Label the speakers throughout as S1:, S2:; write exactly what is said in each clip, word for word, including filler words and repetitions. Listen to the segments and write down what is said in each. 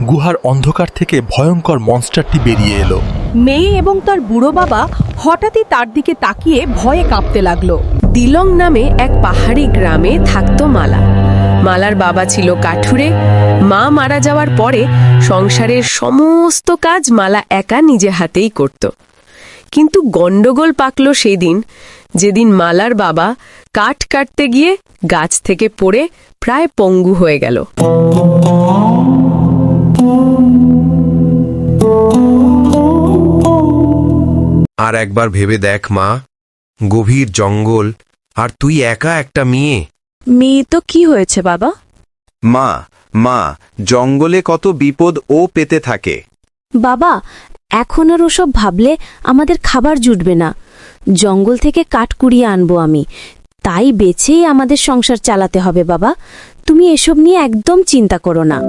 S1: গুহার অন্ধকার থেকে ভয়ঙ্কর মনস্টারটি বেরিয়ে এলো।
S2: মেয়ে এবং তার বুড়ো বাবা হঠাৎই তার দিকে তাকিয়ে ভয়ে কাঁপতে লাগলো।
S3: দিলং নামে এক পাহাড়ি গ্রামে থাকতো মালা। মালার বাবা ছিল কাঠুরে। মা মারা যাওয়ার পরে সংসারের সমস্ত কাজ মালা একা নিজে হাতেই করত। কিন্তু গন্ডগোল পাকল সেদিন, যেদিন মালার বাবা কাঠ কাটতে গিয়ে গাছ থেকে পড়ে প্রায় পঙ্গু হয়ে গেল।
S4: আর একবার ভেবে দেখ মা, গভীর জঙ্গল, আর তুই একা একটা মেয়ে।
S3: মেয়ে তো কি হয়েছে বাবা?
S5: মা মা জঙ্গলে কত বিপদ ও পেতে থাকে।
S6: বাবা, এখন আর ওসব ভাবলে আমাদের খাবার জুটবে না। জঙ্গল থেকে কাঠ কুড়িয়ে আনবো আমি, তাই বেছেই আমাদের সংসার চালাতে হবে। বাবা, তুমি এসব নিয়ে একদম চিন্তা করো না।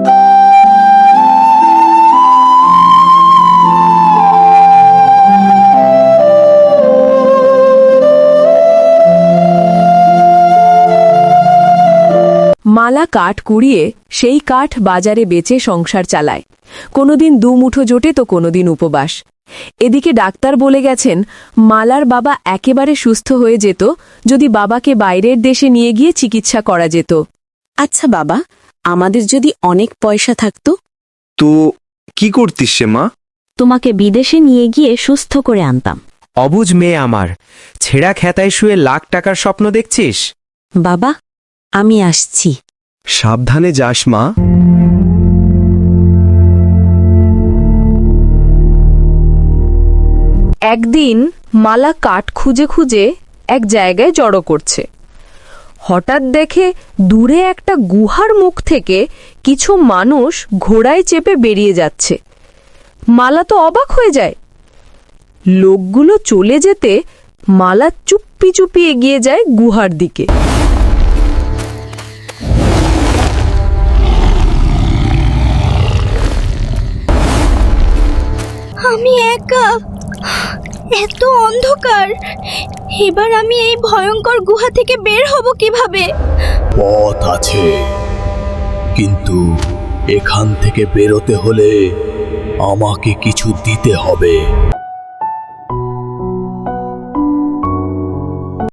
S3: মালা কাঠ কুড়িয়ে সেই কাঠ বাজারে বেচে সংসার চালায়। কোনোদিন দুমুঠো জোটে তো কোনোদিন উপবাস। এদিকে ডাক্তার বলে গেছেন মালার বাবা একেবারে সুস্থ হয়ে যেত যদি বাবাকে বাইরের দেশে নিয়ে গিয়ে চিকিৎসা করা যেত।
S6: আচ্ছা বাবা, আমাদের যদি অনেক পয়সা থাকতো?
S5: তো কি করতিস সে মা?
S6: তোমাকে বিদেশে নিয়ে গিয়ে সুস্থ করে আনতাম।
S7: অবুঝ মেয়ে আমার, ছেঁড়া খেতায় শুয়ে লাখ টাকার স্বপ্ন দেখছিস?
S6: বাবা, আমি আসছি।
S5: সাবধানে যাস মা।
S3: একদিন মালা কাঠ খুঁজে খুঁজে এক জায়গায় জড়ো করছে। হঠাৎ দেখে দূরে একটা গুহার মুখ থেকে কিছু মানুষ ঘোড়ায় চেপে বেরিয়ে যাচ্ছে। মালা তো অবাক হয়ে যায়। লোকগুলো চলে যেতে মালা চুপি চুপি এগিয়ে যায় গুহার দিকে।
S8: আমি একা, এত অন্ধকার, এবার আমি এই ভয়ঙ্কর গুহা থেকে বের হব কিভাবে?
S1: পথ আছে, কিন্তু এখান থেকে বেরোতে হলে আমাকে কিছু দিতে হবে।